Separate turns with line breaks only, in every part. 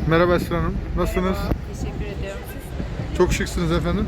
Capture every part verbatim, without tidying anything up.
Merhaba Esra Hanım. Nasılsınız?
Merhaba, teşekkür ediyorum. Siz?
Çok şıksınız efendim.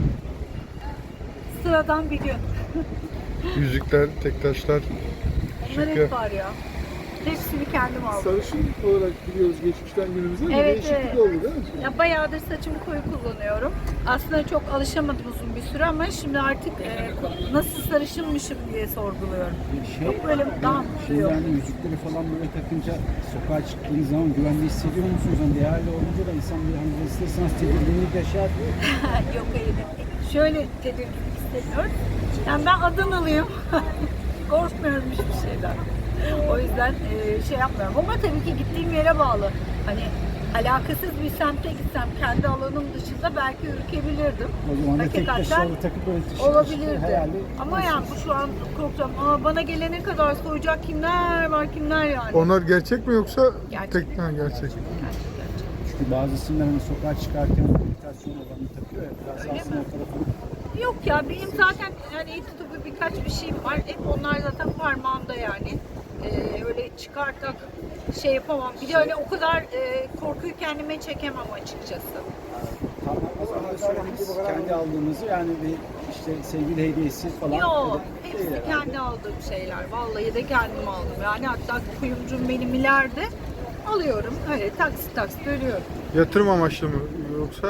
Sıradan bir gün.
Yüzükler, tek taşlar.
Onlar
Şık ya.
hep var ya. Hepsini kendim aldım.
Sarışın olarak biliyoruz geçmişten günümüze. Bir
Evet,
değişiklik
evet.
oldu değil mi?
Ya bayağıdır saçımı koyu kullanıyorum. Aslında çok alışamadım uzun bir süre ama şimdi artık e, nasıl sarışınmışım diye sorguluyorum.
Şey,
Yok böyle daha
şey
mutluyum.
yani yüzükleri falan böyle takınca sokağa çıktığınız zaman güvende hissediyor musunuz? Hani değerli olunca da insan bir hani isterseniz tedirginlik yaşar.
Yok hayır. Şöyle tedirginlik hissediyorum. Yani ben Adanalıyım. Korkmuyorum hiçbir şeyden. O yüzden e, şey yapmıyorum. Ama tabii ki gittiğim yere bağlı. Hani alakasız bir semte gitsem kendi alanım dışında belki ürkebilirdim.
O zaman da tek
Hakikaten
taşları takıp böyle tişört
olabilirdi.
hayali.
Ama yani bu şu an korkacağım. Aa, bana gelene kadar soyacak kimler var kimler yani.
Onlar gerçek mi yoksa
Gerçek.
tek ha, gerçek.
Gerçek, gerçek.
Çünkü bazısında hani sokağa çıkarken meditasyon olanı takıyor ya. Biraz
Öyle
aslında
mi?
o tarafı.
Yok ya benim zaten yani el tutupu birkaç bir şeyim var. Hep onlar zaten parmağımda yani. Ee, öyle çıkartak şey yapamam. Bir de öyle o kadar e, korkuyu kendime çekemem açıkçası.
Tamam, o zaman da söylediniz kendi aldığınızı yani bir işte sevgili hediyesi falan.
Yok,
öyle
hepsi
değil herhalde.
kendi aldığım şeyler. Vallahi de kendim aldım. Yani hatta kuyumcum benim ileride alıyorum. Öyle taksit taksit ödüyorum.
Yatırım amaçlı mı yoksa?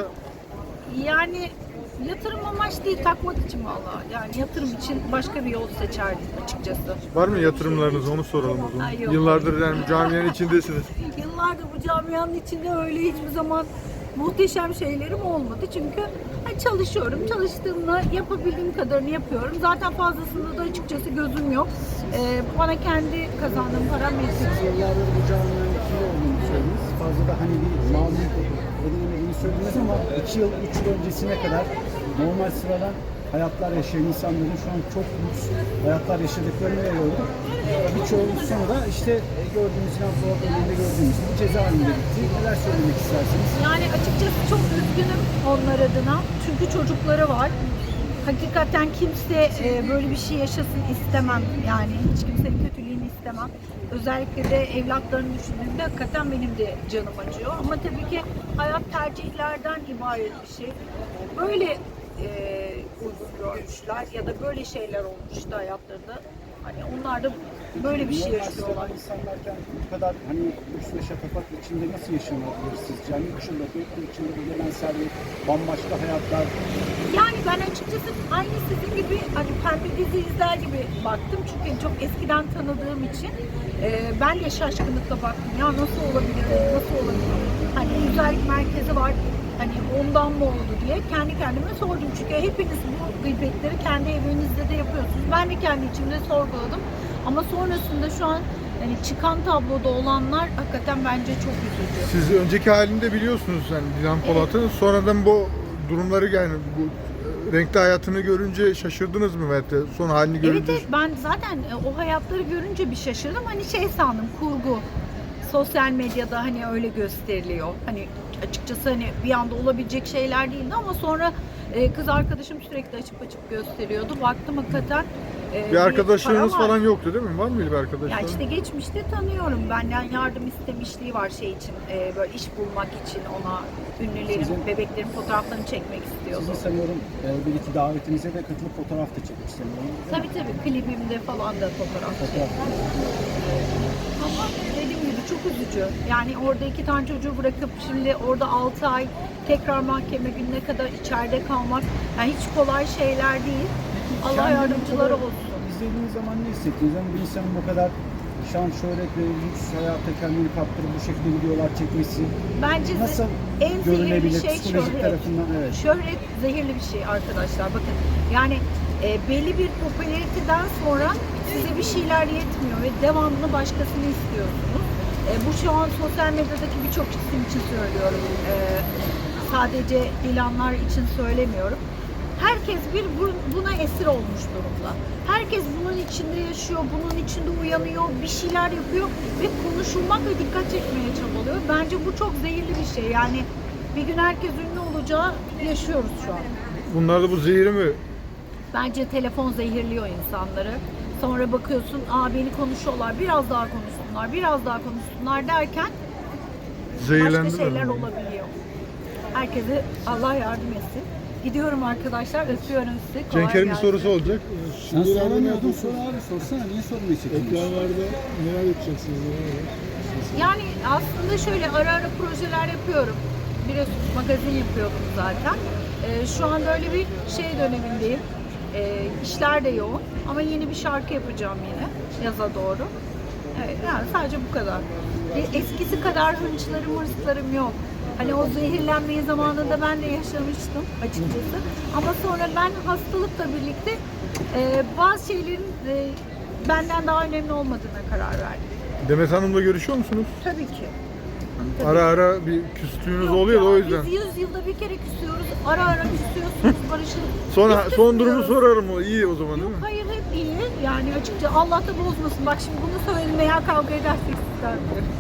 Yani yatırım amaç değil, takmak için valla. Yani yatırım için başka bir yol seçerdim açıkçası.
Var mı yatırımlarınız, onu soralım o zaman.
Ay, yok.
Yıllardır yani camianın içindesiniz.
Yıllardır bu camianın içinde öyle hiçbir zaman muhteşem şeylerim olmadı. Çünkü ha, çalışıyorum. Çalıştığımda yapabildiğim kadarını yapıyorum. Zaten fazlasında da açıkçası gözüm yok. Ee, bana kendi kazandığım param yetiyor.
Yıllardır bu camianın içinde olduğunu söylediniz. Fazla da hani bir mamul edilemediğini söylediniz ama iki yıl, üç yıl öncesine kadar normal sıradan hayatlar yaşayan insanların şu an çok lüks hayatlar yaşadıklarını görüyorum. Birçoğunun sonu da işte gördüğümüz silah programında gördüğümüz gibi cezaevinde bitti. Neler söylemek istersiniz?
Yani açıkçası çok üzgünüm onlar adına. Çünkü çocukları var. Hakikaten kimse e, böyle bir şey yaşasın istemem. Yani hiç kimsenin kötülüğünü istemem. Özellikle de evlatlarını düşündüğümde hakikaten benim de canım acıyor. Ama tabii ki hayat tercihlerden ibaret bir şey. Böyle e, uygun görmüşler ya da böyle şeyler olmuştu hayatlarında. Hani onlar da böyle bir şey
Normal
yaşıyorlar.
sıradan insanlarken bu kadar hani lüks ve şatafat içinde nasıl yaşanabilir sizce? Yani üç yılda, dört yıl içinde bir gelen servet, bambaşka hayatlar.
Yani ben açıkçası aynı sizin gibi hani pembe dizi izler gibi baktım. Çünkü çok eskiden tanıdığım için e, ben de şaşkınlıkla baktım. Ya nasıl olabilir, nasıl olabilir? Hani güzellik merkezi var. Hani ondan mı oldu diye kendi kendime sordum. Çünkü hepiniz bu gıybetleri kendi evinizde de yapıyorsunuz. Ben de kendi içimde sorguladım. Ama sonrasında şu an hani çıkan tabloda olanlar hakikaten bence çok üzücü.
Siz önceki halini de biliyorsunuz yani Dilan Polat'ın. Sonradan bu durumları yani bu e, renkli hayatını görünce şaşırdınız mı veyahut da son halini
Evet,
görünce?
evet ben zaten e, o hayatları görünce bir şaşırdım. Hani şey sandım kurgu. Sosyal medyada hani öyle gösteriliyor. Hani açıkçası hani bir anda olabilecek şeyler değildi ama sonra e, kız arkadaşım sürekli açıp açıp gösteriyordu. Baktım hakikaten e,
Bir arkadaşlarınız
para var.
falan yoktu değil mi? Var mıydı bir arkadaşlar?
Ya işte geçmişte tanıyorum. Benden yardım istemişliği var şey için. e, böyle iş bulmak için ona ünlülerin,
Sizin-
bebeklerin fotoğraflarını çekmek istiyordu.
Sizin sanıyorum e, bir iki davetinize de katılıp fotoğraf da çekmiş sanıyorum.
Tabii tabii klibimde falan da fotoğraf
Fotoğraf.
Ama dediğim gibi çok üzücü. Yani orada iki tane çocuğu bırakıp şimdi orada altı ay tekrar mahkeme gününe kadar içeride kalmak yani hiç kolay şeyler değil. Allah
Kendini
yardımcıları
bu kadar
olsun.
İzlediğiniz zaman ne hissettiniz? Yani bir insanın bu kadar şan, şöhret ve lüks hayata kendini kaptırıp bu şekilde videolar çekmesi
Bence ze-
nasıl
en zehirli
görünebilir
şey
psikolojik
şöhret.
tarafından? Evet.
Şöhret zehirli bir şey arkadaşlar. Bakın yani e, belli bir popülariteden sonra size bir şeyler yetmiyor ve devamlı başkasını istiyorsunuz. E, bu şu an sosyal medyadaki birçok isim için söylüyorum. E, sadece Dilanlar için söylemiyorum. Herkes bir bu- buna esir olmuş durumda. Herkes bunun içinde yaşıyor, bunun içinde uyanıyor, bir şeyler yapıyor ve konuşulmak ve dikkat çekmeye çabalıyor. Bence bu çok zehirli bir şey. Yani bir gün herkes ünlü olacağı yaşıyoruz şu an.
Bunlar da bu zehiri mi?
Bence telefon zehirliyor insanları. Sonra bakıyorsun, aa beni konuşuyorlar, biraz daha konuşsunlar, biraz daha konuşsunlar derken
Zehirlendi
başka şeyler
mi?
olabiliyor. Herkese Allah yardım etsin. Gidiyorum arkadaşlar. Öpüyorum sizi. Kolay
Cenk'in bir
gelsin.
sorusu olacak.
Sen
Şimdi ileride ne
soramıyordun,
yapıyorsunuz?
sor abi sorsana, niye sormayı çekiniyorsun?
Ekranlarda neler yapacaksınız? Neler var?
Yani aslında şöyle ara ara projeler yapıyorum. Biliyorsunuz magazin yapıyordum zaten. Ee, şu anda öyle bir şey dönemindeyim. Ee, işler de yoğun ama yeni bir şarkı yapacağım yine yaza doğru. Evet, yani sadece bu kadar. E, Eskisi kadar hınçlarım, hırslarım yok. Hani o zehirlenmeyi zamanında ben de yaşamıştım açıkçası. Ama sonra ben hastalıkla birlikte e, bazı şeylerin e, benden daha önemli olmadığına karar verdim.
Demet Hanım'la görüşüyor musunuz?
Tabii ki. Tabii.
Ara ara bir küstüğünüz
Yok
oluyor da
ya,
o yüzden.
Biz yüz yılda bir kere küsüyoruz. Ara ara küsüyorsunuz, barışıyorsunuz.
Sonra
Biz
son durumu
küsmüyoruz.
sorarım o. İyi o zaman değil
Yok
mi?
hayır hep iyi. Yani açıkça Allah da bozmasın. Bak şimdi bunu söyledim veya kavga edersek sizden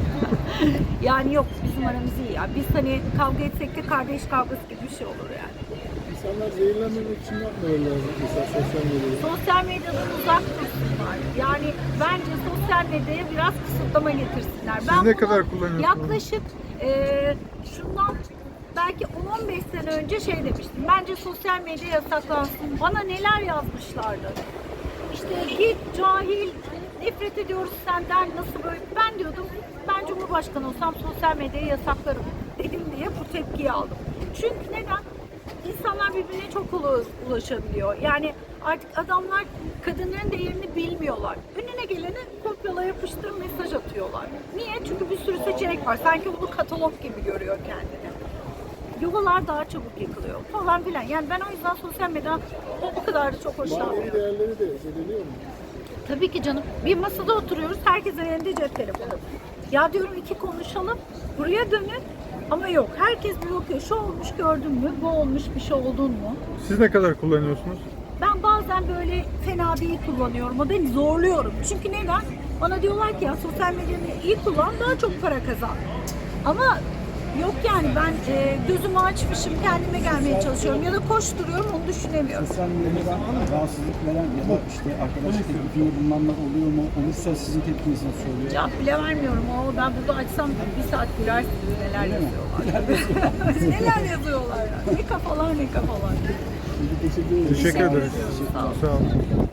yani yok bizim aramız iyi ya. Biz hani kavga etsek de kardeş kavgası gibi bir şey olur yani.
İnsanlar zehirlenmemek için ne yapmaları lazım mesela sosyal medyada?
Sosyal medyadan uzak dursunlar. Yani bence sosyal medyaya biraz kısıtlama getirsinler.
Siz
ben
ne
bunu
kadar kullanıyorsunuz?
Yaklaşık e, şundan belki on on beş sene önce şey demiştim. Bence sosyal medya yasaklansın. Bana neler yazmışlardı. İşte git cahil, nefret ediyoruz senden nasıl böyle. Ben diyordum ben Cumhurbaşkanı olsam sosyal medyayı yasaklarım dedim diye bu tepkiyi aldım. Çünkü neden? İnsanlar birbirine çok kolay ulaşabiliyor. Yani artık adamlar kadınların değerini bilmiyorlar. Önüne geleni kopyala yapıştır mesaj atıyorlar. Niye? Çünkü bir sürü seçenek var. Sanki bunu katalog gibi görüyor kendini. Yuvalar daha çabuk yıkılıyor falan filan. Yani ben o yüzden sosyal medyadan o, o kadar da çok
Manevi
hoşlanmıyorum.
değerleri de zedeliyor mu?
Tabii ki canım. Bir masada oturuyoruz. Herkesin elinde cep telefonu. Ya diyorum iki konuşalım. Buraya dönün. Ama yok. Herkes bir bakıyor. Şu olmuş gördün mü? Bu olmuş bir şey oldun mu?
Siz ne kadar kullanıyorsunuz?
Ben bazen böyle fena değil kullanıyorum. O da zorluyorum. Çünkü neden? Bana diyorlar ki ya sosyal medyayı iyi kullan daha çok para kazan. Ama yok yani ben e, gözümü açmışım kendime gelmeye çalışıyorum ya da koşturuyorum onu düşünemiyorum.
Sosyal medyadan rahatsızlık veren ya da işte arkadaş teklifinde bulunanlar oluyor mu? Olursa sizin tepkinizi nasıl oluyor?
Cevap bile vermiyorum. O ben burada açsam bir saat gülersiniz neler
Öyle mi?
yazıyorlar. neler yazıyorlar ya. Ne kafalar ne kafalar.
Teşekkür ederim.
Teşekkür ederiz.
Sağ olun.
Sağ olun.